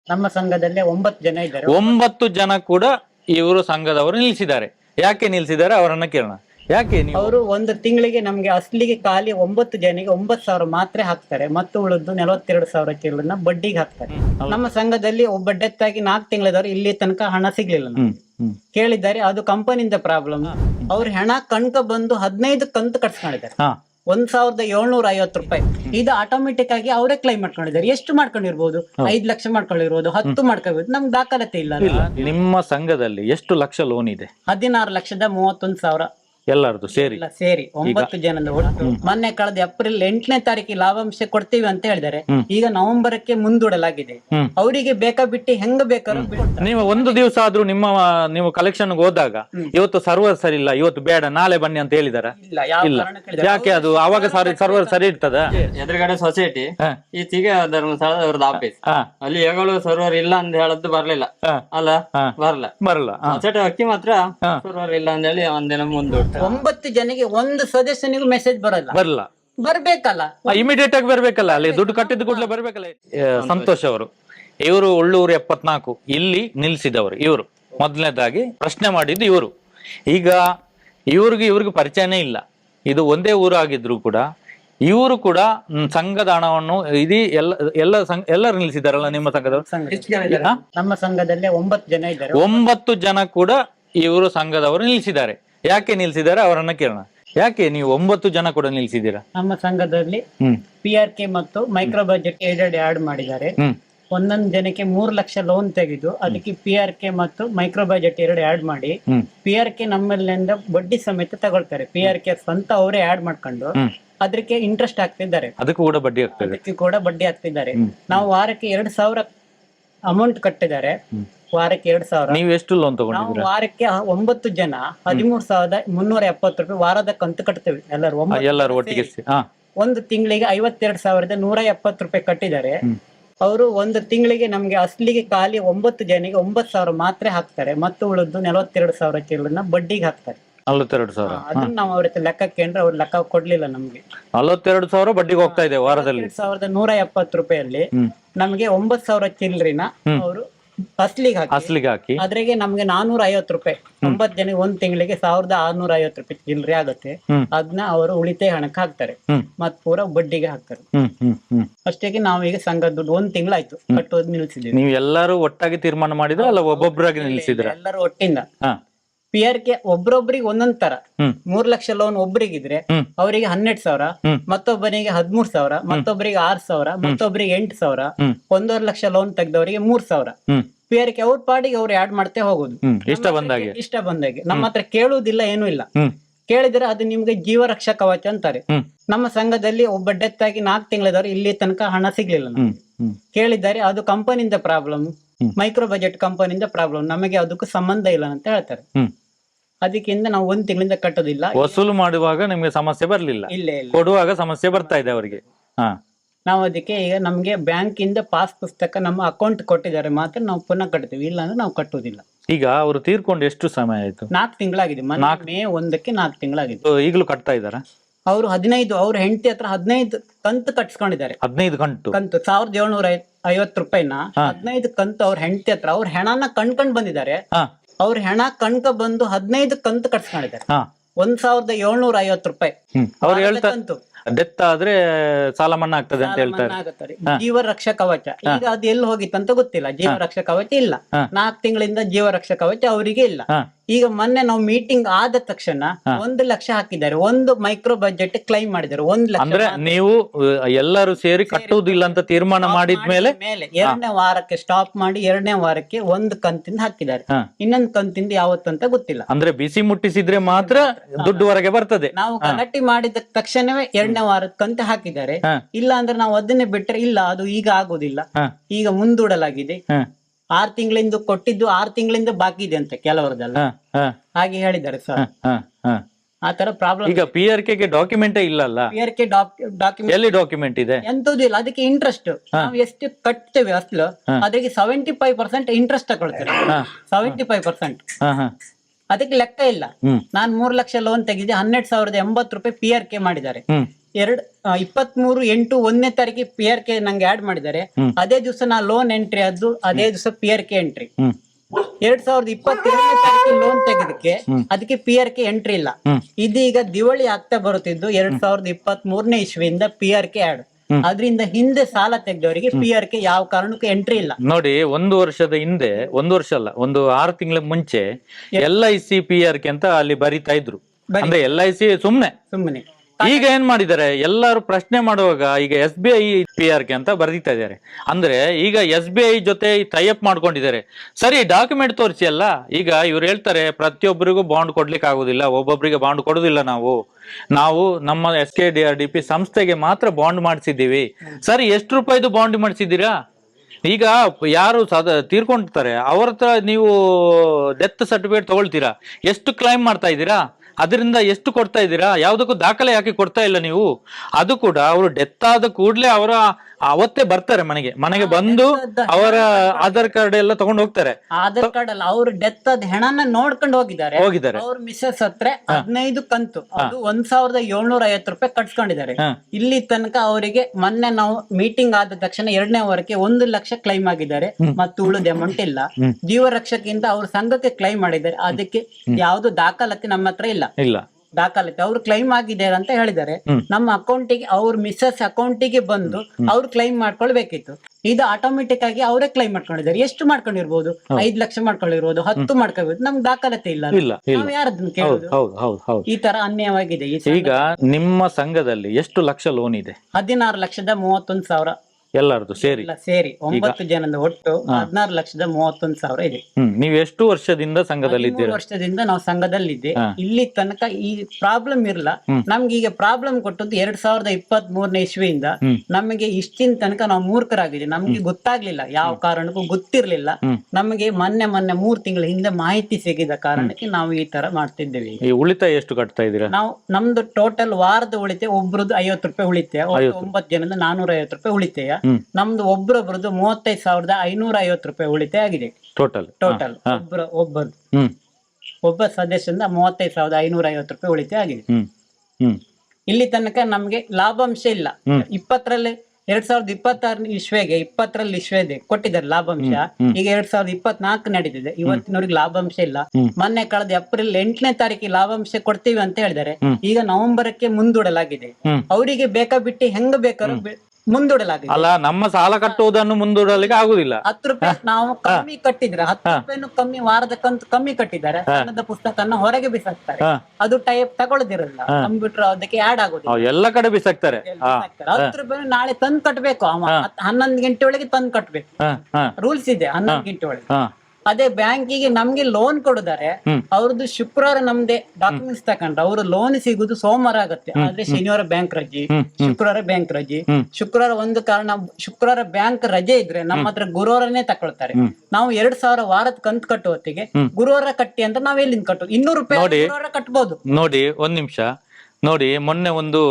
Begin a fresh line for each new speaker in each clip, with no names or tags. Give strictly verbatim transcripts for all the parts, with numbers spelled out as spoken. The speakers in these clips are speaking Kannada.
ನಮ್ಮ ಸಂಘದಲ್ಲಿ ಒಂಬತ್ತು ಜನ ಇದ್ದಾರೆ.
ಒಂಬತ್ತು ಜನ ಕೂಡ ಇವರು ಸಂಘದವರು ನಿಲ್ಲಿಸಿದ್ದಾರೆ. ಯಾಕೆ ನಿಲ್ಲಿಸಿದ್ದಾರೆ ಅವರನ್ನ ಕೇಳೋಣ. ಯಾಕೆ ನೀವು
ಅವರು ಒಂದು ತಿಂಗಳಿಗೆ ನಮ್ಗೆ ಅಸ್ಲಿಗೆ ಖಾಲಿ ಒಂಬತ್ತು ಜನಿಗೆ ಒಂಬತ್ತು ಸಾವಿರ ಮಾತ್ರ ಹಾಕ್ತಾರೆ, ಮತ್ತು ಉಳಿದು ನಲವತ್ತೆರಡು ಸಾವಿರ ಚೀಲನ್ನ ಬಡ್ಡಿಗೆ ಹಾಕ್ತಾರೆ. ನಮ್ಮ ಸಂಘದಲ್ಲಿ ಒಬ್ಬ ಡೆತ್ ಆಗಿ ನಾಲ್ಕು ತಿಂಗಳದವರು ಇಲ್ಲಿ ತನಕ ಹಣ ಸಿಗ್ಲಿಲ್ಲ ನಮ್ಗೆ. ಕೇಳಿದ್ದಾರೆ, ಅದು ಕಂಪನಿಯಿಂದ ಪ್ರಾಬ್ಲಮ್. ಅವ್ರ ಹಣ ಕಣ್ಕ ಬಂದು ಹದಿನೈದು ಕಂತು ಕಟ್ಸ್ಕೊಂಡಿದ್ದಾರೆ, ಒಂದ್ ಸಾವಿರದ ಏಳ್ನೂರ ಐವತ್ತು ರೂಪಾಯಿ. ಇದು ಆಟೋಮೆಟಿಕ್ ಆಗಿ ಅವರೇ ಕ್ಲೈಮ್ ಮಾಡ್ಕೊಂಡಿದ್ದಾರೆ. ಎಷ್ಟು ಮಾಡ್ಕೊಂಡಿರ್ಬೋದು? ಐದ್ ಲಕ್ಷ ಮಾಡ್ಕೊಂಡಿರ್ಬೋದು, ಹತ್ತು ಮಾಡ್ಕೊಳ್ಬಹುದು. ನಮ್ಗೆ ದಾಖಲಾತಿ ಇಲ್ಲ.
ನಿಮ್ಮ ಸಂಘದಲ್ಲಿ ಎಷ್ಟು ಲಕ್ಷ ಲೋನ್ ಇದೆ?
ಹದಿನಾರು ಲಕ್ಷದ ಮೂವತ್ತೊಂದು ಸಾವಿರ
ಎಲ್ಲರದು ಸೇರಿ
ಎಲ್ಲ ಸೇರಿ ಒಂಬತ್ತು ಜನದ ಒಟ್ಟು. ಮೊನ್ನೆ ಕಳೆದ ಏಪ್ರಿಲ್ ಎಂಟನೇ ತಾರೀಕಿಗೆ ಲಾಭಾಂಶ ಕೊಡ್ತೀವಿ ಅಂತ ಹೇಳಿದ್ದಾರೆ. ಈಗ ನವೆಂಬರ್ಕ್ಕೆ ಮುಂದೂಡಲಾಗಿದೆ. ಅವರಿಗೆ ಬೇಕಾ ಬಿಟ್ಟು ಹೆಂಗ ಬೇಕಾದ್ರೂ ಬಿಡ್ತಾರೆ.
ನೀವು ಒಂದು ದಿವಸ ಆದ್ರೂ ನಿಮ್ಮ ನೀವು ಕಲೆಕ್ಷನ್ ಹೋದಾಗ ಇವತ್ತು ಸರ್ವರ್ ಸರಿ ಇಲ್ಲ, ಇವತ್ತು ಬೇಡ, ನಾಳೆ ಬನ್ನಿ ಅಂತ ಹೇಳಿದಾರ?
ಇಲ್ಲ, ಯಾವ
ಇಲ್ಲ.
ಕಾರಣಕ್ಕೂ ಹೇಳಿಲ್ಲ.
ಯಾಕೆ ಅದು ಅವಾಗ ಸರ್ವರ್ ಸರಿ ಇರ್ತದ?
ಎದುರುಗಡೆ ಸೊಸೈಟಿ, ಈಚೆಗೆ ಧರ್ಮಸ್ಥಳದ ಅವ್ರದ್ದು ಆಫೀಸ್. ಅಲ್ಲಿ ಯಾವಾಗಲೂ ಸರ್ವರ್ ಇಲ್ಲ ಅಂತ ಹೇಳದ್ದು ಬರ್ಲಿಲ್ಲ ಅಲ್ಲ, ಬರಲ್ಲ
ಬರಲ್ಲ.
ಸೊಸೈಟಿ ಅಕ್ಕಿ ಮಾತ್ರ ಸರ್ವರ್ ಇಲ್ಲ ಅಂತ ಹೇಳಿ ಒಂದಿನ ಮುಂದೂಡ್ತಾರೆ.
ಒಂಬತ್ತು ಜನಕ್ಕೆ ಒಂದು ಸದಸ್ಯನಿಗೂ ಮೆಸೇಜ್ ಬರಲ್ಲ.
ಬರಲ್ಲ,
ಬರ್ಬೇಕಲ್ಲ,
ಇಮಿಡಿಯೇಟ್ ಆಗಿ ಬರ್ಬೇಕಲ್ಲ, ಅಲ್ಲಿ ದುಡ್ಡು ಕಟ್ಟಿದ ಕೂಡಲೇ ಬರ್ಬೇಕಲ್ಲ. ಸಂತೋಷ್ ಅವರು, ಇವರು ಉಳ್ಳೂರು ಎಪ್ಪತ್ನಾಲ್ಕು ಇಲ್ಲಿ ನಿಲ್ಸಿದವರು. ಇವರು ಮೊದಲನೇದಾಗಿ ಪ್ರಶ್ನೆ ಮಾಡಿದ್ದು ಇವರು. ಈಗ ಇವ್ರಿಗೆ ಇವ್ರಿಗೆ ಪರಿಚಯನೇ ಇಲ್ಲ, ಇದು ಒಂದೇ ಊರು ಆಗಿದ್ರು ಕೂಡ ಇವರು ಕೂಡ ಸಂಘದ ಹಣವನ್ನು ಇದೀ ಎಲ್ಲ ಎಲ್ಲ ಸಂಘ ಎಲ್ಲರೂ ನಿಲ್ಸಿದಾರಲ್ಲ ನಿಮ್ಮ ಸಂಘದವರು?
ನಮ್ಮ ಸಂಘದಲ್ಲಿ ಒಂಬತ್ತು ಜನ ಇದ್ದಾರೆ.
ಒಂಬತ್ತು ಜನ ಕೂಡ ಇವರು ಸಂಘದವರು ನಿಲ್ಸಿದ್ದಾರೆ. ಯಾಕೆ ನಿಲ್ಸಿದ್ದಾರೆ ಅವರನ್ನ ಕೇಳೋಣ. ಯಾಕೆ ನೀವು ಒಂಬತ್ತು ಜನ ಕೂಡ ನಿಲ್ಸಿದ್ದೀರಾ?
ನಮ್ಮ ಸಂಘದಲ್ಲಿ ಪಿ ಆರ್ ಕೆ ಮತ್ತು ಮೈಕ್ರೋ ಬಜೆಟ್ ಏಡೆಡ್ ಆಡ್ ಮಾಡಿದ್ದಾರೆ. ಒಂದೊಂದು ಜನಕ್ಕೆ ಮೂರು ಲಕ್ಷ ಲೋನ್ ತೆಗೆದು ಅದಕ್ಕೆ ಪಿ ಆರ್ ಕೆ ಮತ್ತು ಮೈಕ್ರೋ ಬಜೆಟ್ ಎರಡು ಆಡ್ ಮಾಡಿ, ಪಿ ಆರ್ ಕೆ ನಮ್ಮಲ್ಲಿಂದ ಬಡ್ಡಿ ಸಮೇತ ತಗೊಳ್ತಾರೆ. ಪಿ ಆರ್ ಕೆ ಸ್ವಂತ ಅವರೇ ಆಡ್ ಮಾಡ್ಕೊಂಡು ಅದಕ್ಕೆ ಇಂಟ್ರೆಸ್ಟ್ ಹಾಕ್ತಿದ್ದಾರೆ.
ಅದಕ್ಕೂ ಕೂಡ ಬಡ್ಡಿ ಆಗ್ತದೆ.
ಅದಕ್ಕೆ ಕೂಡ ಬಡ್ಡಿ ಹಾಕ್ತಿದ್ದಾರೆ. ನಾವು ವಾರಕ್ಕೆ ಎರಡು ಸಾವಿರ ಅಮೌಂಟ್ ಕಟ್ಟಿದ್ದಾರೆ. ವಾರಕ್ಕೆ ಎರಡ್ ಸಾವಿರ.
ನೀವು ಎಷ್ಟು ಲೋನ್
ನಾವು
ತಗೊಂಡಿದ್ದೀರಾ?
ವಾರಕ್ಕೆ ಒಂಬತ್ತು ಜನ ಹದಿಮೂರು ಸಾವಿರದ ಮುನ್ನೂರ ಎಪ್ಪತ್ತು ರೂಪಾಯಿ ವಾರದ ಕಂತು ಕಟ್ತೇವೆ ಎಲ್ಲರೂ ಒಂಬತ್ತು
ಎಲ್ಲರೂ ಒಟ್ಟಿಗೆ
ಸೇರಿ. ಒಂದು ತಿಂಗಳಿಗೆ ಐವತ್ತೆರಡು ಸಾವಿರದ ನೂರ ಎಪ್ಪತ್ತು ರೂಪಾಯಿ ಕಟ್ಟಿದ್ದಾರೆ. ಅವರು ಒಂದು ತಿಂಗಳಿಗೆ ನಮ್ಗೆ ಅಸ್ಲಿಗೆ ಖಾಲಿ ಒಂಬತ್ತು ಜನಿಗೆ ಒಂಬತ್ತು ಸಾವಿರ ಮಾತ್ರ ಹಾಕ್ತಾರೆ, ಮತ್ತು ಉಳಿದು ನಲವತ್ತೆರಡು ಸಾವಿರ ಚೀಲನ್ನ ಬಡ್ಡಿಗೆ ಹಾಕ್ತಾರೆ.
ನಲವತ್ತೆರಡು ಸಾವಿರ
ಅದನ್ನ ನಾವು ಅವ್ರ ಹತ್ರ ಲೆಕ್ಕ ಕೇಂದ್ರ ಅವ್ರು ಲೆಕ್ಕ ಕೊಡ್ಲಿಲ್ಲ ನಮ್ಗೆ.
ನಲವತ್ತೆರಡು ಸಾವಿರ ಬಡ್ಡಿಗೆ ಹೋಗ್ತಾ ಇದೆ ವಾರದಲ್ಲಿ.
ಎರಡ್ ಸಾವಿರದ ನೂರ ಎಪ್ಪತ್ತು ರೂಪಾಯಲ್ಲಿ ನಮ್ಗೆ ಒಂಬತ್ತು ಸಾವಿರ ಚಿಲ್ಲರಿನ ಅವರು ಅಸ್ಲಿಗೆ ಹಾಕಿ
ಅಸ್ಲಿಗೆ ಹಾಕಿ
ಅದ್ರಾಗೆ ನಮ್ಗೆ ನಾನೂರ ಐವತ್ತು ರೂಪಾಯಿ ಒಂಬತ್ತು ಜನ ಒಂದ್ ತಿಂಗಳಿಗೆ ಸಾವಿರದ ಆರ್ನೂರ ಐವತ್ತು ರೂಪಾಯಿ ಚಿಲ್ಲರೆ ಆಗುತ್ತೆ. ಅದನ್ನ ಅವರು ಉಳಿತಾಯ ಹಣಕ್ಕೆ ಹಾಕ್ತಾರೆ, ಮತ್ ಪೂರ ಬಡ್ಡಿಗೆ ಹಾಕ್ತಾರೆ. ಅಷ್ಟೇ ನಾವೀಗ ಸಂಘ ದುಡ್ಡು ಒಂದ್ ತಿಂಗಳಾಯ್ತು ಕಟ್ಟೋದ್ ನಿಲ್ಸಿದೀವಿ.
ನೀವು ಎಲ್ಲರೂ ಒಟ್ಟಾಗಿ ತೀರ್ಮಾನ ಮಾಡಿದ್ರ ಅಲ್ಲ ಒಬ್ಬೊಬ್ಬರಾಗಿ ನಿಲ್ಸಿದ್ರ?
ಎಲ್ಲರೂ ಒಟ್ಟಿಂದ. ಪಿ ಆರ್ ಕೆ ಒಬ್ರೊಬ್ರಿಗೆ ಒಂದೊಂದ್ ತರ. ಮೂರ್ ಲಕ್ಷ ಲೋನ್ ಒಬ್ರಿಗಿದ್ರೆ ಅವರಿಗೆ ಹನ್ನೆರಡು ಸಾವಿರ, ಮತ್ತೊಬ್ಬರಿಗೆ ಹದ್ಮೂರ್ ಸಾವಿರ, ಮತ್ತೊಬ್ಬರಿಗೆ ಆರ್ ಸಾವಿರ, ಮತ್ತೊಬ್ಬರಿಗೆ ಎಂಟು ಸಾವಿರ, ಒಂದೂವರೆ ಲಕ್ಷ ಲೋನ್ ತೆಗ್ದವರಿಗೆ ಮೂರ್ ಸಾವಿರ. ಪಿ ಆರ್ ಕೆ ಅವ್ರ ಪಾಡಿಗೆ ಅವ್ರು ಆಡ್ ಮಾಡ್ತೇ ಹೋಗುದು
ಇಷ್ಟ ಬಂದಾಗೆ
ಇಷ್ಟ ಬಂದಾಗೆ. ನಮ್ಮ ಹತ್ರ ಕೇಳುವುದಿಲ್ಲ, ಏನೂ ಇಲ್ಲ. ಕೇಳಿದ್ರೆ ಅದು ನಿಮ್ಗೆ ಜೀವ ರಕ್ಷಾ ಕವಚ ಅಂತಾರೆ. ನಮ್ಮ ಸಂಘದಲ್ಲಿ ಒಬ್ಬ ಡೆತ್ ಆಗಿ ನಾಲ್ಕು ತಿಂಗಳದವರು ಇಲ್ಲಿ ತನಕ ಹಣ ಸಿಗ್ಲಿಲ್ಲ ನಮ್ಗೆ. ಕೇಳಿದ್ದಾರೆ, ಅದು ಕಂಪನಿಯಿಂದ ಪ್ರಾಬ್ಲಮ್, ಮೈಕ್ರೋ ಬಜೆಟ್ ಕಂಪನಿಯಿಂದ ಪ್ರಾಬ್ಲಮ್, ನಮಗೆ ಅದಕ್ಕೂ ಸಂಬಂಧ ಇಲ್ಲ ಅಂತ ಹೇಳ್ತಾರೆ. ಅದಕ್ಕಿಂತ ನಾವು ಒಂದ್ ತಿಂಗಳಿಂದ ಕಟ್ಟೋದಿಲ್ಲ.
ವಸೂಲು ಮಾಡುವಾಗ ನಿಮ್ಗೆ ಸಮಸ್ಯೆ ಬರ್ಲಿಲ್ಲ,
ಇಲ್ಲ ಇಲ್ಲ
ಕೊಡುವಾಗ ಸಮಸ್ಯೆ ಬರ್ತಾ ಇದೆ ಅವರಿಗೆ. ಹಾ,
ನಾವು ಅದಕ್ಕೆ ಈಗ ನಮ್ಗೆ ಬ್ಯಾಂಕ್ ಇಂದ ಪಾಸ್ ಪುಸ್ತಕ ನಮ್ಮ ಅಕೌಂಟ್ ಕೊಟ್ಟಿದ್ದಾರೆ ಮಾತ್ರ ನಾವು ಪುನಃ ಕಟ್ತೀವಿ, ಇಲ್ಲ ಅಂದ್ರೆ ನಾವು ಕಟ್ಟುವುದಿಲ್ಲ.
ಈಗ ಅವರು ತೀರ್ಕೊಂಡು ಎಷ್ಟು ಸಮಯ ಆಯ್ತು?
ನಾಲ್ಕು ತಿಂಗಳಾಗಿದೆ. ಮೇ ಒಂದಕ್ಕೆ ನಾಲ್ಕು ತಿಂಗಳಾಗಿದೆ.
ಈಗಲೂ ಕಟ್ತಾ ಇದಾರ?
ಅವರು ಹದಿನೈದು ಅವ್ರ ಹೆಂಡತಿ ಹತ್ರ ಹದಿನೈದು ಕಂತು ಕಟ್ಸ್ಕೊಂಡಿದ್ದಾರೆ.
ಹದಿನೈದು ಕಂತು
ಕಂತು ಸಾವಿರದ ಏಳ್ನೂರ ಐವತ್ತು ರೂಪಾಯಿನ ಹದಿನೈದು ಕಂತು ಅವ್ರ ಹೆಂಡತಿ ಹತ್ರ ಅವ್ರ ಹೆಣನ ಕಣ್ಕೊಂಡ್ ಬಂದಿದ್ದಾರೆ. ಅವ್ರ ಹೆಣ ಕಣ್ಕ ಬಂದು ಹದಿನೈದು ಕಂತು ಕಟ್ಸ್ಕೊಂಡಿದ್ದಾರೆ, ಒಂದ್ ಸಾವಿರದ ಏಳ್ನೂರ ಐವತ್ತು ರೂಪಾಯಿ.
ಅವ್ರು ಹೇಳ್ತಾರೆ ಡೆತ್ ಆದ್ರೆ ಸಾಲ ಮನ್ನಾ ಆಗ್ತದೆ ಅಂತ ಹೇಳ್ತಾರೆ.
ಜೀವ ರಕ್ಷಾ ಕವಚ ಈಗ ಅದು ಎಲ್ಲಿ ಹೋಗಿತ್ತಂತ ಗೊತ್ತಿಲ್ಲ. ಜೀವ ರಕ್ಷಾ ಕವಚ ಇಲ್ಲ, ನಾಲ್ಕು ತಿಂಗಳಿಂದ ಜೀವ ರಕ್ಷಾ ಕವಚ ಅವರಿಗೆ ಇಲ್ಲ. ಈಗ ಮೊನ್ನೆ ನಾವು ಮೀಟಿಂಗ್ ಆದ ತಕ್ಷಣ ಒಂದು ಲಕ್ಷ ಹಾಕಿದ್ದಾರೆ, ಒಂದು ಮೈಕ್ರೋ ಬಜೆಟ್ ಕ್ಲೈಮ್ ಮಾಡಿದ್ದಾರೆ. ಒಂದ್ ಲಕ್ಷ
ಅಂದ್ರೆ ನೀವು ಎಲ್ಲರೂ ಸೇರಿ ಕಟ್ಟುವುದಿಲ್ಲ ಅಂತ ತೀರ್ಮಾನ ಮಾಡಿದ್ಮೇಲೆ
ಮೇಲೆ ಎರಡನೇ ವಾರಕ್ಕೆ ಸ್ಟಾಪ್ ಮಾಡಿ ಎರಡನೇ ವಾರಕ್ಕೆ ಒಂದು ಕಂತಿಂದ ಹಾಕಿದ್ದಾರೆ. ಇನ್ನೊಂದು ಕಂತಿಂದ ಯಾವತ್ತಂತ ಗೊತ್ತಿಲ್ಲ.
ಅಂದ್ರೆ ಬಿಸಿ ಮುಟ್ಟಿಸಿದ್ರೆ ಮಾತ್ರ ದುಡ್ಡು ಹೊರಗೆ ಬರ್ತದೆ.
ನಾವು ಗಲಾಟೆ ಮಾಡಿದ ತಕ್ಷಣವೇ ಎರಡನೇ ವಾರದ ಕಂತು ಹಾಕಿದ್ದಾರೆ. ಇಲ್ಲ ಅಂದ್ರೆ ನಾವು ಅದನ್ನೇ ಬಿಟ್ರೆ ಇಲ್ಲ, ಅದು ಈಗ ಆಗುದಿಲ್ಲ, ಈಗ ಮುಂದೂಡಲಾಗಿದೆ. ಆರ್ ತಿಂಗಳಿಂದ ಕೊಟ್ಟಿದ್ದು ಆರ್ ತಿಂಗಳಿಂದ ಬಾಕಿ ಇದೆ ಅಂತ ಕೆಲವರದಲ್ಲ, ಹಾಗೆ ಹೇಳಿದ್ದಾರೆ ಸರ್. ಆತರ ಪ್ರಾಬ್ಲಮ್.
ಈಗ ಪಿ ಆರ್ ಕೆ ಡಾಕ್ಯುಮೆಂಟೇ ಇಲ್ಲಲ್ಲ?
ಪಿ ಆರ್ ಕೆ ಡಾಕ್ಯುಮೆಂಟ್ ಎಲ್ಲಿ
ಡಾಕ್ಯುಮೆಂಟ್ ಇದೆ?
ಎಂತದ್ದು ಇಲ್ಲ. ಅದಕ್ಕೆ ಇಂಟ್ರೆಸ್ಟ್ ನಾವು ಎಷ್ಟು ಕಟ್ತೇವೆ ಅಸಲು ಅದಕ್ಕೆ ಸೆವೆಂಟಿ ಫೈವ್ ಪರ್ಸೆಂಟ್ ಇಂಟ್ರೆಸ್ಟ್ ತಗೊಳ್ತೇವೆ. ಸೆವೆಂಟಿ ಫೈವ್ ಪರ್ಸೆಂಟ್ ಅದಕ್ಕೆ ಲೆಕ್ಕ ಇಲ್ಲ. ನಾನ್ ಮೂರ್ ಲಕ್ಷ ಲೋನ್ ತೆಗೆದಿದ್ದೆ, ಹನ್ನೆರಡು ಸಾವಿರದ ಎಂಬತ್ತು ರೂಪಾಯಿ ಪಿ ಆರ್ ಕೆ ಮಾಡಿದ್ದಾರೆ. ಎರಡ್ ಇಪ್ಪತ್ತ್ ಮೂರು ಎಂಟು ಒಂದನೇ ತಾರೀಕಿಗೆ ಪಿ ಆರ್ ಕೆ ನಂಗೆ ಆಡ್ ಮಾಡಿದ್ದಾರೆ. ಅದೇ ದಿವಸ ನಾ ಲೋನ್ ಎಂಟ್ರಿ ಆದ್ದು, ಅದೇ ದಿವಸ ಪಿ ಆರ್ ಕೆ ಎಂಟ್ರಿ. ಎರಡ್ ಸಾವಿರದ ಇಪ್ಪತ್ತೆರಡನೇ ತಾರೀಕಿಗೆ ಲೋನ್ ತೆಗೆದಕ್ಕೆ ಅದಕ್ಕೆ ಪಿ ಆರ್ ಕೆ ಎಂಟ್ರಿ ಇಲ್ಲ. ಇದೀಗ ದಿವಾಳಿ ಆಗ್ತಾ ಬರುತ್ತಿದ್ದು ಎರಡ್ ಸಾವಿರದ ಇಪ್ಪತ್ತ್ ಮೂರನೇ ಇಸ್ವಿಯಿಂದ ಪಿ ಆರ್ ಕೆ ಆಡ್. ಅದರಿಂದ ಹಿಂದೆ ಸಾಲ ತೆಗೆದವರಿಗೆ ಪಿ ಆರ್ ಕೆ ಯಾವ ಕಾರಣಕ್ಕೂ ಎಂಟ್ರಿ ಇಲ್ಲ.
ನೋಡಿ, ಒಂದು ವರ್ಷದ ಹಿಂದೆ, ಒಂದು ವರ್ಷ ಅಲ್ಲ, ಒಂದು ಆರು ತಿಂಗಳ ಮುಂಚೆ L I C P R K ಅಂತ ಅಲ್ಲಿ ಬರಿತಾ ಇದ್ರು. ಅಂದ್ರೆ ಎಲ್ ಐ ಸಿ ಸುಮ್ನೆ
ಸುಮ್ಮನೆ.
ಈಗ ಏನ್ ಮಾಡಿದ್ದಾರೆ, ಎಲ್ಲರೂ ಪ್ರಶ್ನೆ ಮಾಡುವಾಗ ಈಗ S B I P R K ಅಂತ ಬರೀತಾ ಇದ್ದಾರೆ. ಅಂದ್ರೆ ಈಗ ಎಸ್ ಬಿ ಐ ಜೊತೆ ಟೈಅಪ್ ಮಾಡ್ಕೊಂಡಿದ್ದಾರೆ. ಸರಿ, ಡಾಕ್ಯುಮೆಂಟ್ ತೋರಿಸಿ ಅಲ್ಲ. ಈಗ ಇವ್ರು ಹೇಳ್ತಾರೆ ಪ್ರತಿಯೊಬ್ಬರಿಗೂ ಬಾಂಡ್ ಕೊಡ್ಲಿಕ್ಕೆ ಆಗುದಿಲ್ಲ, ಒಬ್ಬೊಬ್ಬರಿಗೆ ಬಾಂಡ್ ಕೊಡುದಿಲ್ಲ. ನಾವು ನಾವು ನಮ್ಮ S K D R D P ಸಂಸ್ಥೆಗೆ ಮಾತ್ರ ಬಾಂಡ್ ಮಾಡಿಸಿದ್ದೀವಿ. ಸರಿ, ಎಷ್ಟು ರೂಪಾಯಿದು ಬಾಂಡ್ ಮಾಡಿಸಿದ್ದೀರಾ? ಈಗ ಯಾರು ಸದ ತೀರ್ಕೊಂಡಿರ್ತಾರೆ ಅವ್ರ ಹತ್ರ ನೀವು ಡೆತ್ ಸರ್ಟಿಫಿಕೇಟ್ ತಗೊಳ್ತೀರಾ, ಎಷ್ಟು ಕ್ಲೈಮ್ ಮಾಡ್ತಾ ಇದ್ದೀರಾ, ಅದರಿಂದ ಎಷ್ಟು ಕೊಡ್ತಾ ಇದ್ದೀರಾ, ಯಾವುದಕ್ಕೂ ದಾಖಲೆ ಯಾಕೆ ಕೊಡ್ತಾ ಇಲ್ಲ ನೀವು? ಅದು ಕೂಡ ಅವರು ಡೆತ್ ಆದ ಕೂಡಲೇ ಅವರ ಅವತ್ತೇ ಬರ್ತಾರೆ ಮನೆಗೆ ಮನೆಗೆ ಬಂದು ಅವರ ಆಧಾರ್ ಕಾರ್ಡ್ ಎಲ್ಲ ತಗೊಂಡು ಹೋಗ್ತಾರೆ.
ಆಧಾರ್ ಕಾರ್ಡ್ ಅಲ್ಲ, ಅವ್ರು ಡೆತ್ ಆದ ಹೆಣನ ನೋಡ್ಕೊಂಡು ಹೋಗಿದ್ದಾರೆ
ಹೋಗಿದ್ದಾರೆ
ಅವ್ರ ಮಿಸಸ್ ಹತ್ರ ಹದಿನೈದು ಕಂತು, ಅದು ಒಂದ್ ಸಾವಿರದ ಏಳ್ನೂರ ಐವತ್ತು ರೂಪಾಯಿ ಕಟ್ಸ್ಕೊಂಡಿದ್ದಾರೆ. ಇಲ್ಲಿ ತನಕ ಅವರಿಗೆ ಮೊನ್ನೆ ನಾವು ಮೀಟಿಂಗ್ ಆದ ತಕ್ಷಣ ಎರಡನೇ ವಾರಕ್ಕೆ ಒಂದು ಲಕ್ಷ ಕ್ಲೈಮ್ ಆಗಿದ್ದಾರೆ ಮತ್ತು ಉಳಿದ ಅಮೌಂಟ್ ಇಲ್ಲ. ಜೀವ ರಕ್ಷಕಿಂದ ಅವ್ರ ಸಂಘಕ್ಕೆ ಕ್ಲೈಮ್ ಮಾಡಿದ್ದಾರೆ. ಅದಕ್ಕೆ ಯಾವ್ದು ದಾಖಲಾತಿ ನಮ್ಮ ಹತ್ರ ಇಲ್ಲ
ಇಲ್ಲ
ದಾಖಲಾತಿ. ಅವ್ರು ಕ್ಲೈಮ್ ಆಗಿದ್ದಾರೆ ಅಂತ ಹೇಳಿದ್ದಾರೆ. ನಮ್ಮ ಅಕೌಂಟಿಗೆ ಅವ್ರ ಮಿಸಸ್ ಅಕೌಂಟಿಗೆ ಬಂದು ಅವ್ರು ಕ್ಲೈಮ್ ಮಾಡ್ಕೊಳ್ಬೇಕಿತ್ತು. ಇದು ಆಟೋಮೆಟಿಕ್ ಆಗಿ ಅವರೇ ಕ್ಲೈಮ್ ಮಾಡ್ಕೊಂಡಿದ್ದಾರೆ. ಎಷ್ಟು ಮಾಡ್ಕೊಂಡಿರ್ಬೋದು? ಐದ್ ಲಕ್ಷ ಮಾಡ್ಕೊಂಡಿರ್ಬೋದು, ಹತ್ತು ಮಾಡ್ಕೊಳ್ಬಹುದು. ನಮ್ಗೆ ದಾಖಲಾತಿ ಇಲ್ಲ. ನಾವು ಯಾರದನ್ನ ಕೇಳುದು? ಈ ತರ ಅನ್ಯಾಯವಾಗಿದೆ.
ಈಗ ನಿಮ್ಮ ಸಂಘದಲ್ಲಿ ಎಷ್ಟು ಲಕ್ಷ ಲೋನ್ ಇದೆ?
ಹದಿನಾರು ಲಕ್ಷದ ಮೂವತ್ತೊಂದು ಸಾವಿರ
ಎಲ್ಲರದು ಸೇರಿ
ಸೇರಿ ಒಂಬತ್ತು ಜನದ ಒಟ್ಟು ಹದಿನಾರು ಲಕ್ಷದ ಮೂವತ್ತೊಂದು ಸಾವಿರ ಇದೆ.
ಹ್ಮ್ ನೀವು ಎಷ್ಟು ವರ್ಷದಿಂದ ಸಂಘದಲ್ಲಿ ಇದ್ದೀರಾ?
ವರ್ಷದಿಂದ ನಾವು ಸಂಘದಲ್ಲಿದ್ದೆ. ಇಲ್ಲಿ ತನಕ ಈ ಪ್ರಾಬ್ಲಮ್ ಇರಲ್ಲ. ನಮ್ಗೆ ಈಗ ಪ್ರಾಬ್ಲಮ್ ಕೊಟ್ಟದ್ದು ಎರಡ್ ಸಾವಿರದ ಇಪ್ಪತ್ತ್ ಮೂರನೇ ಇಸ್ವಿಯಿಂದ. ನಮಗೆ ಇಷ್ಟಿನ ತನಕ ನಾವು ಮೂರ್ಖರಾಗಿದೆ. ನಮ್ಗೆ ಗೊತ್ತಾಗ್ಲಿಲ್ಲ, ಯಾವ ಕಾರಣಕ್ಕೂ ಗೊತ್ತಿರ್ಲಿಲ್ಲ. ನಮಗೆ ಮೊನ್ನೆ ಮೊನ್ನೆ ಮೂರ್ ತಿಂಗಳ ಹಿಂದೆ ಮಾಹಿತಿ ಸಿಗಿದ ಕಾರಣಕ್ಕೆ ನಾವು ಈ ತರ ಮಾಡ್ತಿದ್ದೇವೆ.
ಈ ಉಳಿತಾಯ ಎಷ್ಟು ಕಟ್ತಾ ಇದ್ದೀರಾ?
ನಾವು ನಮ್ದು ಟೋಟಲ್ ವಾರದ ಉಳಿತಾಯ ಒಬ್ರದ್ದು ಐವತ್ತು ರೂಪಾಯಿ ಉಳಿತಾಯ, ಒಂಬತ್ತು ಜನದ ನಾನೂರ ಐವತ್ತು ರೂಪಾಯಿ ಉಳಿತಾಯ. ನಮ್ದು ಒಬ್ರೊಬ್ರದ್ದು ಮೂವತ್ತೈದು ಸಾವಿರದ ಐನೂರ ಐವತ್ತು ರೂಪಾಯಿ ಉಳಿತಾಯ ಆಗಿದೆ. ಟೋಟಲ್ ಟೋಟಲ್ ಒಬ್ರ ಒಬ್ಬರದು ಒಬ್ಬ ಸದಸ್ಯರಿಂದ ಮೂವತ್ತೈದು ಸಾವಿರದ ಐನೂರ ಐವತ್ತು ರೂಪಾಯಿ ಉಳಿತಾಯ ಆಗಿದೆ. ಇಲ್ಲಿ ತನಕ ನಮ್ಗೆ ಲಾಭಾಂಶ ಇಲ್ಲ. ಇಪ್ಪತ್ತರಲ್ಲಿ ಎರಡ್ ಸಾವಿರದ ಇಪ್ಪತ್ತಾರ ಇಸ್ವೆಗೆ ಇಪ್ಪತ್ತರಲ್ಲಿ ಇಸ್ವೆದೆ ಕೊಟ್ಟಿದ್ದಾರೆ ಲಾಭಾಂಶ. ಈಗ ಎರಡ್ ಸಾವಿರದ ಇಪ್ಪತ್ನಾಲ್ಕು ನಡೀತಿದೆ, ಇವತ್ತಿನವರೆಗೆ ಲಾಭಾಂಶ ಇಲ್ಲ. ಮೊನ್ನೆ ಕಳೆದ ಏಪ್ರಿಲ್ ಎಂಟನೇ ತಾರೀಕಿಗೆ ಲಾಭಾಂಶ ಕೊಡ್ತೀವಿ ಅಂತ ಹೇಳಿದ್ದಾರೆ. ಈಗ ನವೆಂಬರ್ಕ್ಕೆ ಮುಂದೂಡಲಾಗಿದೆ. ಅವರಿಗೆ ಬೇಕಾ ಬಿಟ್ಟು ಹೆಂಗ ಬೇಕಾದ್ರೂ ಮುಂದೂಡಲಾಗಿದೆ.
ಅಲ್ಲ, ನಮ್ಮ ಸಾಲ ಕಟ್ಟುವುದನ್ನು ಮುಂದೂಡಲಿಕ್ಕೆ ಆಗುದಿಲ್ಲ.
ಹತ್ತು ರೂಪಾಯಿ ನಾವು ಕಮ್ಮಿ ಕಟ್ಟಿದ್ರೆ ಹತ್ತು ರೂಪಾಯಿನೂ ಕಮ್ಮಿ ವಾರದ ಕಂತು ಕಮ್ಮಿ ಕಟ್ಟಿದ್ದಾರೆ. ಸಣ್ಣದ ಪುಸ್ತಕನ ಹೊರಗೆ ಬಿಸಾಕ್ತಾರೆ. ಅದು ಟೈಪ್ ತಗೊಳ್ಳದಿರಲ್ಲ, ಕಂಪ್ಯೂಟರ್ ಅದಕ್ಕೆ ಆಡ್ ಆಗೋದಿಲ್ಲ,
ಎಲ್ಲ ಕಡೆ ಬಿಸಾಕ್ತಾರೆ.
ಹತ್ತು ರೂಪಾಯಿ ನಾಳೆ ತಂದು ಕಟ್ಬೇಕು. ಹನ್ನೊಂದು ಗಂಟೆ ಒಳಗೆ ತಂದು ಕಟ್ಬೇಕು. ರೂಲ್ಸ್ ಇದೆ ಹನ್ನೊಂದು ಗಂಟೆ ಒಳಗೆ. ಅದೇ ಬ್ಯಾಂಕಿಗೆ ನಮ್ಗೆ ಲೋನ್ ಕೊಡಿದಾರೆ, ಅವ್ರದ್ದು ಶುಕ್ರವಾರ ನಮ್ದೆ ಡಾಕ್ಯುಮೆಂಟ್ಸ್ ತಕೊಂಡ್ರೆ ಅವ್ರ ಲೋನ್ ಸಿಗುದು ಸೋಮವಾರ ಆಗತ್ತೆ. ಆದ್ರೆ ಶನಿವಾರ ಬ್ಯಾಂಕ್ ರಜೆ, ಶುಕ್ರವಾರ ಬ್ಯಾಂಕ್ ರಜೆ. ಶುಕ್ರವಾರ ಒಂದು ಕಾರಣ, ಶುಕ್ರವಾರ ಬ್ಯಾಂಕ್ ರಜೆ ಇದ್ರೆ ನಮ್ಮ ಹತ್ರ ಗುರುವಾರನೇ ತಕೊಳ್ತಾರೆ. ನಾವು ಎರಡ್ ಸಾವಿರ ವಾರದ ಕಂತು ಕಟ್ಟುವ ಹೊತ್ತಿಗೆ ಗುರುವಾರ ಕಟ್ಟಿ ಅಂತ ನಾವ್ ಎಲ್ಲಿಂದ ಕಟ್ಟು? ಇನ್ನೂರು ರೂಪಾಯಿ ಗುರುವಾರ ಕಟ್ಬೋದು.
ನೋಡಿ, ಒಂದ್ ನಿಮಿಷ ನೋಡಿ. ಮೊನ್ನೆ ಒಂದು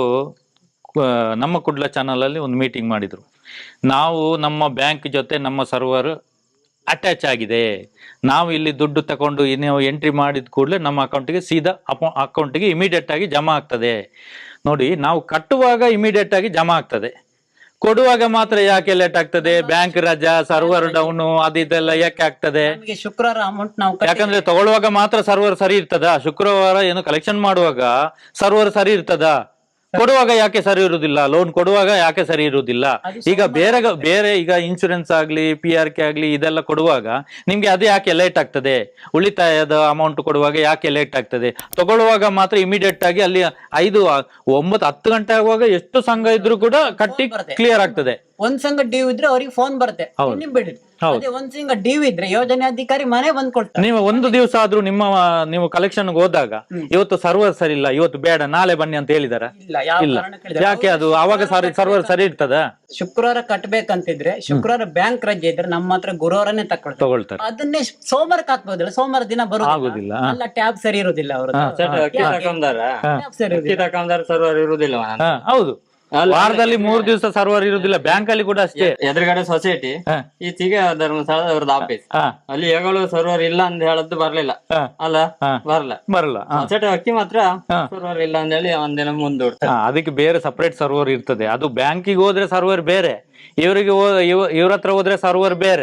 ನಮ್ಮ ಕುಡ್ಲ ಚಾನಲ್ ಅಲ್ಲಿ ಒಂದು ಮೀಟಿಂಗ್ ಮಾಡಿದ್ರು. ನಾವು ನಮ್ಮ ಬ್ಯಾಂಕ್ ಜೊತೆ ನಮ್ಮ ಸರ್ವರ್ ಅಟ್ಯಾಚ್ ಆಗಿದೆ, ನಾವು ಇಲ್ಲಿ ದುಡ್ಡು ತಗೊಂಡು ನೀವು ಎಂಟ್ರಿ ಮಾಡಿದ ಕೂಡಲೇ ನಮ್ಮ ಅಕೌಂಟಿಗೆ ಸೀದಾ ಅಕೌಂಟಿಗೆ ಇಮಿಡಿಯೇಟ್ ಆಗಿ ಜಮಾ ಆಗ್ತದೆ. ನೋಡಿ, ನಾವು ಕಟ್ಟುವಾಗ ಇಮಿಡಿಯೇಟ್ ಆಗಿ ಜಮಾ ಆಗ್ತದೆ, ಕೊಡುವಾಗ ಮಾತ್ರ ಯಾಕೆ ಲೇಟ್ ಆಗ್ತದೆ? ಬ್ಯಾಂಕ್ ರಜಾ, ಸರ್ವರ್ ಡೌನ್, ಅದು ಇದೆಲ್ಲ ಯಾಕೆ ಆಗ್ತದೆ?
ಶುಕ್ರವಾರ ಅಮೌಂಟ್ ನಾವು
ಯಾಕಂದ್ರೆ ತಗೊಳ್ಳುವಾಗ ಮಾತ್ರ ಸರ್ವರ್ ಸರಿ ಇರ್ತದ, ಶುಕ್ರವಾರ ಏನು ಕಲೆಕ್ಷನ್ ಮಾಡುವಾಗ ಸರ್ವರ್ ಸರಿ ಇರ್ತದ, ಕೊಡುವಾಗ ಯಾಕೆ ಸರಿ ಇರುವುದಿಲ್ಲ? ಲೋನ್ ಕೊಡುವಾಗ ಯಾಕೆ ಸರಿ ಇರುವುದಿಲ್ಲ? ಈಗ ಬೇರೆ ಬೇರೆ ಈಗ ಇನ್ಶೂರೆನ್ಸ್ ಆಗ್ಲಿ, ಪಿ ಆರ್ ಕೆ ಆಗ್ಲಿ, ಇದೆಲ್ಲ ಕೊಡುವಾಗ ನಿಮ್ಗೆ ಅದು ಯಾಕೆ ಲೇಟ್ ಆಗ್ತದೆ? ಉಳಿತಾಯದ ಅಮೌಂಟ್ ಕೊಡುವಾಗ ಯಾಕೆ ಲೇಟ್ ಆಗ್ತದೆ? ತಗೊಳ್ಳುವಾಗ ಮಾತ್ರ ಇಮಿಡಿಯೇಟ್ ಆಗಿ ಅಲ್ಲಿ ಐದು ಒಂಬತ್ತು ಹತ್ತು ಗಂಟೆ ಆಗುವಾಗ ಎಷ್ಟು ಸಂಘ ಇದ್ರು ಕೂಡ ಕಟ್ಟಿ ಕ್ಲಿಯರ್ ಆಗ್ತದೆ.
ಒಂದ್ ಸಂಘ ಡ್ಯೂ ಇದ್ರೆ ಅವ್ರಿಗೆ ಫೋನ್ ಬರುತ್ತೆ, ಬಿಡಿ. ಅದೇ ಒಂದ್ ಸಂಘ ಡ್ಯೂ ಇದ್ರೆ ಯೋಜನೆ ಅಧಿಕಾರಿ ಮನೆ ಬಂದ್ ಕೊಡ್ತಾರೆ.
ನೀವು ಒಂದು ದಿವಸ ಆದ್ರೂ ನಿಮ್ಮ ನೀವು ಕಲೆಕ್ಷನ್ ಹೋದಾಗ ಇವತ್ತು ಸರ್ವರ್ ಸರಿ ಇಲ್ಲ, ಇವತ್ತು ಬೇಡ, ನಾಳೆ ಬನ್ನಿ ಅಂತ ಹೇಳಿದಾರ? ಇಲ್ಲ. ಯಾಕೆ? ಅದು ಅವಾಗ ಸರ್ವರ್ ಸರಿ ಇರ್ತದ?
ಶುಕ್ರವಾರ ಕಟ್ಬೇಕಂತಿದ್ರೆ ಶುಕ್ರವಾರ ಬ್ಯಾಂಕ್ ರಜೆ ಇದ್ರೆ ನಮ್ಮ ಹತ್ರ ಗುರುವಾರನೇ ತಗೊಳ್ತಾರೆ ತಗೊಳ್ತಾರೆ ಅದನ್ನೇ ಸೋಮವಾರಕ್ಕೆ ಹಾಕ್ಬೋದಿಲ್ಲ, ಸೋಮವಾರ ದಿನ ಬರೋದಿಲ್ಲ. ಅಲ್ಲ, ಟ್ಯಾಬ್ ಸರಿ ಇರುದಿಲ್ಲ, ಅವರು
ಸರ್ವರ್ ಇರುವುದಿಲ್ಲ.
ಹೌದು.
ಅಲ್ಲ,
ವಾರದಲ್ಲಿ ಮೂರ್ ದಿವಸ ಸರ್ವರ್ ಇರುದಿಲ್ಲ. ಬ್ಯಾಂಕ್ ಅಲ್ಲಿ ಕೂಡ ಅಷ್ಟೇ.
ಎದುರುಗಡೆ ಸೊಸೈಟಿ,
ಹ.
ಈಚೆಗೆ ಧರ್ಮಸ್ಥಳದ ಅವ್ರದ್ದು ಆಫೀಸ್.
ಹಾ
ಅಲ್ಲಿ ಯಾವಾಗಲೂ ಸರ್ವರ್ ಇಲ್ಲ ಅಂತ ಹೇಳದ್ದು ಬರ್ಲಿಲ್ಲ
ಹಾ
ಅಲ್ಲ,
ಹಾ.
ಬರಲ್ಲ.
ಬರಲ್ಲ. ಹಾ.
ಸೊಸೈಟಿ ಅಕ್ಕಿ ಮಾತ್ರ
ಹಾ.
ಸರ್ವರ್ ಇಲ್ಲ ಅಂತ ಹೇಳಿ ಒಂದಿನ ಮುಂದೂಡ್ತಾರೆ.
ಹಾ, ಅದಕ್ಕೆ ಬೇರೆ ಸಪರೇಟ್ ಸರ್ವರ್ ಇರ್ತದೆ. ಅದು ಬ್ಯಾಂಕಿಗೆ ಹೋದ್ರೆ ಸರ್ವರ್ ಬೇರೆ, ಇವರಿಗೆ ಇವ್ರ ಹತ್ರ ಹೋದ್ರೆ ಸರ್ವರ್ ಬೇರೆ.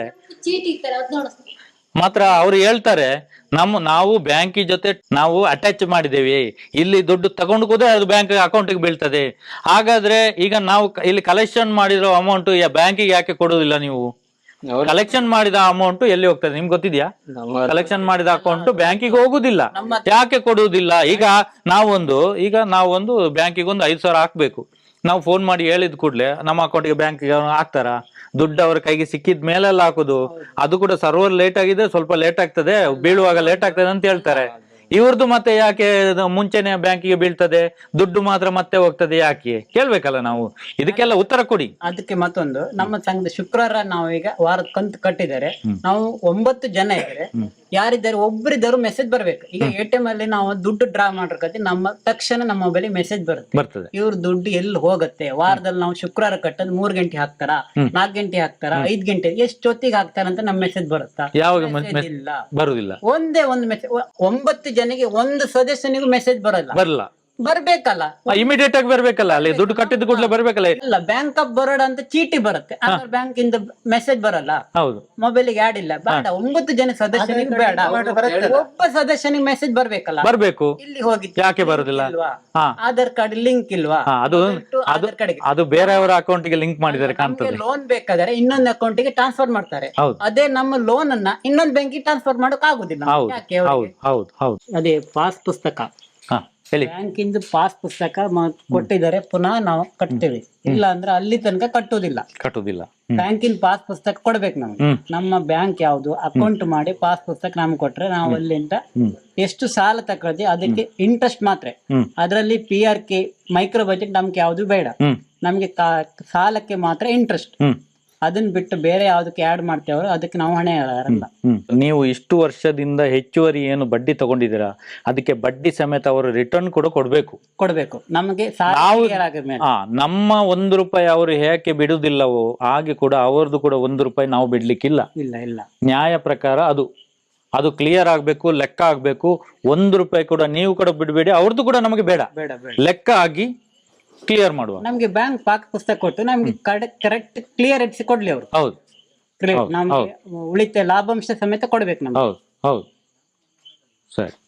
ಮಾತ್ರ ಅವ್ರು ಹೇಳ್ತಾರೆ ನಮ್ಮ ನಾವು ಬ್ಯಾಂಕಿ ಜೊತೆ ನಾವು ಅಟ್ಯಾಚ್ ಮಾಡಿದ್ದೇವೆ, ಇಲ್ಲಿ ದುಡ್ಡು ತಗೊಂಡು ಹೋದ್ರೆ ಅದು ಬ್ಯಾಂಕ್ ಅಕೌಂಟಿಗೆ ಬೀಳ್ತದೆ. ಹಾಗಾದ್ರೆ ಈಗ ನಾವು ಕ- ಇಲ್ಲಿ ಕಲೆಕ್ಷನ್ ಮಾಡಿರೋ ಅಮೌಂಟ್ ಬ್ಯಾಂಕಿಗೆ ಯಾಕೆ ಕೊಡುದಿಲ್ಲ ನೀವು?
ಅವ್ರು-
ಕಲೆಕ್ಷನ್ ಮಾಡಿದ ಅಮೌಂಟ್ ಎಲ್ಲಿ ಹೋಗ್ತದೆ ನಿಮ್ಗೆ ಗೊತ್ತಿದ್ಯಾ?
ನಮ್ಮ
ಕಲೆಕ್ಷನ್ ಮಾಡಿದ ಅಕೌಂಟ್ ಬ್ಯಾಂಕಿಗೆ ಹೋಗುದಿಲ್ಲ.
ನಮ್ಮ
ಯಾಕೆ ಕೊಡುವುದಿಲ್ಲ? ಈಗ ನಾವೊಂದು ಈಗ ನಾವೊಂದು ಬ್ಯಾಂಕಿಗೆ ಒಂದು ಐದು ಸಾವಿರ ಹಾಕ್ಬೇಕು. ನಾವು ಫೋನ್ ಮಾಡಿ ಹೇಳಿದ ಕೂಡಲೇ ನಮ್ಮ ಅಕೌಂಟ್ಗೆ ಬ್ಯಾಂಕಿಗೆ ಹಾಕ್ತಾರ? ದುಡ್ಡು ಅವ್ರ ಕೈಗೆ ಸಿಕ್ಕಿದ ಮೇಲೆಲ್ಲ ಹಾಕುದು. ಅದು ಕೂಡ ಸರ್ವರ್ ಲೇಟ್ ಆಗಿದೆ, ಸ್ವಲ್ಪ ಲೇಟ್ ಆಗ್ತದೆ, ಬೀಳುವಾಗ ಲೇಟ್ ಆಗ್ತದೆ ಅಂತ ಹೇಳ್ತಾರೆ. ಇವ್ರದ್ದು ಮತ್ತೆ ಯಾಕೆ ಅದು ಮುಂಚೆನೆ ಬ್ಯಾಂಕಿಗೆ ಬೀಳ್ತದೆ, ದುಡ್ಡು ಮಾತ್ರ ಮತ್ತೆ ಹೋಗ್ತದೆ, ಯಾಕೆ ಕೇಳ್ಬೇಕಲ್ಲ ನಾವು? ಇದಕ್ಕೆಲ್ಲ ಉತ್ತರ ಕೊಡಿ.
ಅದಕ್ಕೆ ಮತ್ತೊಂದು, ನಮ್ಮ ಸಂಘದ ಶುಕ್ರವಾರ ನಾವು ಈಗ ವಾರದ ಕಂತು ಕಟ್ಟಿದ್ದಾರೆ. ನಾವು ಒಂಬತ್ತು ಜನ ಇದ್ದಾರೆ. ಯಾರಿದ್ದಾರೆ ಒಬ್ಬರಿದ್ದರು ಮೆಸೇಜ್ ಬರ್ಬೇಕು. ಈಗ ಎ ಟಿ ಎಂ ಅಲ್ಲಿ ನಾವು ದುಡ್ಡು ಡ್ರಾ ಮಾಡಿರ್ಕತಿ, ನಮ್ಮ ತಕ್ಷಣ ನಮ್ಮ ಮೊಬೈಲ್ ಮೆಸೇಜ್ ಬರುತ್ತೆ,
ಬರ್ತದೆ.
ಇವ್ರ ದುಡ್ಡು ಎಲ್ಲಿ ಹೋಗುತ್ತೆ. ವಾರದಲ್ಲಿ ನಾವು ಶುಕ್ರವಾರ ಕಟ್ಟದ್ ಮೂರ್ ಗಂಟೆ ಹಾಕ್ತಾರ, ನಾಲ್ಕು ಗಂಟೆ ಹಾಕ್ತಾರ, ಐದ್ ಗಂಟೆ ಎಷ್ಟೊತ್ತಿಗೆ ಹಾಕ್ತಾರ ಅಂತ ನಮ್ ಮೆಸೇಜ್ ಬರುತ್ತಾ?
ಯಾವಾಗ
Message ಇಲ್ಲ.
ಬರುದಿಲ್ಲ.
ಒಂದೇ ಒಂದು ಮೆಸೇಜ್, ಒಂಬತ್ತು ಜನಕ್ಕೆ ಒಂದು ಸದಸ್ಯನಿಗೂ ಮೆಸೇಜ್ ಬರಲ್ಲ.
ಬರಲ್ಲ.
ಬರ್ಬೇಕಲ್ಲ,
ಇಮಿಡಿಯೇಟ್ ಆಗಿ ಬರ್ಬೇಕಲ್ಲ, ಅಲ್ಲಿ ದುಡ್ಡು ಕಟ್ಟಿದ ಕೂಡಲೇ ಬರ್ಬೇಕಲ್ಲ.
ಇಲ್ಲ ಬ್ಯಾಂಕ್ ಆಫ್ ಬರೋಡ ಅಂತ ಚೀಟಿ ಬರುತ್ತೆ, ಆದ್ರೆ ಬ್ಯಾಂಕ್ ಇಂದ ಮೆಸೇಜ್ ಬರಲ್ಲ.
ಹೌದು.
ಮೊಬೈಲಿಗೆ ಆಡ್ ಇಲ್ಲ. ಬೇಡ, ಒಂಬತ್ತು ಜನ ಸದಸ್ಯನಿಗೆ ಬೇಡ, ಒಬ್ಬ ಸದಸ್ಯನಿಗೆ ಮೆಸೇಜ್ ಬರ್ಬೇಕಲ್ಲ.
ಬರ್ಬೇಕು.
ಇಲ್ಲಿ ಹೋಗಿ
ಯಾಕೆ ಬರುದಿಲ್ಲ?
ಇಲ್ವಾ?
ಹಾ.
ಆಧಾರ್ ಕಾರ್ಡ್ ಲಿಂಕ್ ಇಲ್ವಾ?
ಹಾ, ಅದು
Mobile to
ಅದು
ಆಧಾರ್ ಕಾರ್ಡ್ಗೆ.
ಅದು ಬೇರೆಯವರ ಅಕೌಂಟ್ಗೆ ಲಿಂಕ್ ಮಾಡಿದ್ದಾರೆ ಕಾಣ್ತದೆ.
ಲೋನ್ ಬೇಕಾದ್ರೆ ಇನ್ನೊಂದು ಅಕೌಂಟಿಗೆ ಟ್ರಾನ್ಸ್ಫರ್ ಮಾಡ್ತಾರೆ.
ಹೌದು.
ಅದೇ ನಮ್ಮ ಲೋನ್ ಅನ್ನ ಇನ್ನೊಂದು ಬ್ಯಾಂಕಿಗೆ ಟ್ರಾನ್ಸ್ಫರ್ ಮಾಡಕ್ ಆಗುದಿಲ್ಲ.
ಹೌದು
ಯಾಕೆ ಅವ್ರಿಗೆ?
ಹೌದು ಹೌದು ಹೌದು.
ಅದೇ ಪಾಸ್ ಪುಸ್ತಕ,
ಹಾ ಹೇಳಿ.
ಬ್ಯಾಂಕಿಂದ ಪಾಸ್ ಪುಸ್ತಕ ಮ- ಕೊಟ್ಟಿದ್ದಾರೆ, ಪುನಃ ನಾವು ಕಟ್ತೇವೆ. ಇಲ್ಲ ಅಂದ್ರೆ ಅಲ್ಲಿ ತನಕ ಕಟ್ಟುದಿಲ್ಲ.
ಕಟ್ಟುದಿಲ್ಲ.
ಬ್ಯಾಂಕಿನ ಪಾಸ್ ಪುಸ್ತಕ ಕೊಡ್ಬೇಕು ನಮ್ಗೆ.
ಹ್ಮ್.
ನಮ್ಮ ಬ್ಯಾಂಕ್ ಯಾವ್ದು ಅಕೌಂಟ್ ಮಾಡಿ ಪಾಸ್ ಪುಸ್ತಕ ನಮ್ಗೆ ಕೊಟ್ರೆ ನಾವು ಅಲ್ಲಿಂದ ಎಷ್ಟು ಸಾಲ ತಗೊಳ್ತೀವಿ ಅದಕ್ಕೆ ಇಂಟ್ರೆಸ್ಟ್ ಮಾತ್ರ.
ಹ್ಮ್.
ಅದರಲ್ಲಿ P R K micro budget ನಮ್ಗೆ ಯಾವ್ದು ಬೇಡ.
ಹ್ಮ್.
ನಮ್ಗೆ ಕಾ- ಸಾಲಕ್ಕೆ ಮಾತ್ರ ಇಂಟ್ರೆಸ್ಟ್.
ಹ್ಮ್.
ಅದನ್ನ ಬಿಟ್ಟು ಬೇರೆ ಯಾವ್ದಕ್ಕೆ ಆಡ್ ಮಾಡ್ತೇವ್ರು ಅದಕ್ಕೆ ನಾವು ಹಣೆ ಹೇಳಲ್ಲ.
ಹ್ಮ್. ನೀವು ಇಷ್ಟು ವರ್ಷದಿಂದ ಹೆಚ್ಚುವರಿ ಏನು ಬಡ್ಡಿ ತಗೊಂಡಿದ್ದೀರಾ, ಅದಕ್ಕೆ ಬಡ್ಡಿ ಸಮೇತ ಅವರು ರಿಟರ್ನ್ ಕೂಡ ಕೊಡ್ಬೇಕು.
ಕೊಡ್ಬೇಕು ನಮಗೆ. ಸಾಲ
ನಾವು
clear ಆಗಿದ್ಮೇಲೆ.
ಆ ನಮ್ಮ ಒಂದು ರೂಪಾಯಿ ಅವರು ಹೇಗೆ ಬಿಡುದಿಲ್ಲವೋ ಹಾಗೆ ಕೂಡ ಅವರದ್ದು ಕೂಡ ಒಂದು ರೂಪಾಯಿ ನಾವು ಬಿಡ್ಲಿಕ್ಕಿಲ್ಲ.
ಇಲ್ಲ ಇಲ್ಲ,
ನ್ಯಾಯ ಪ್ರಕಾರ ಅದು ಅದು ಕ್ಲಿಯರ್ ಆಗ್ಬೇಕು, ಲೆಕ್ಕ ಆಗ್ಬೇಕು. ಒಂದು ರೂಪಾಯಿ ಕೂಡ ನೀವು ಕೂಡ ಬಿಡಬೇಡಿ, ಅವ್ರದ್ದು ಕೂಡ ನಮಗೆ ಬೇಡ.
ಬೇಡ ಬೇಡ.
ಲೆಕ್ಕ ಆಗಿ ಕ್ಲಿಯರ್ ಮಾಡುವ.
ನಮ್ಗೆ ಬ್ಯಾಂಕ್ ಪಾಸ್ ಪುಸ್ತಕ ಕೊಟ್ಟು ನಮ್ಗೆ ಕರೆಕ್ಟ್ ಕ್ಲಿಯರ್ ಇಟ್ಸಿ ಕೊಡ್ಲಿ ಅವರು.
ಹೌದು
ನಮ್ಗೆ ಉಳಿತಾಯ ಲಾಭಾಂಶ ಸಮೇತ ಕೊಡ್ಬೇಕು ನಮ್ಗೆ.
ಹೌದು ಹೌದು ಸರಿ.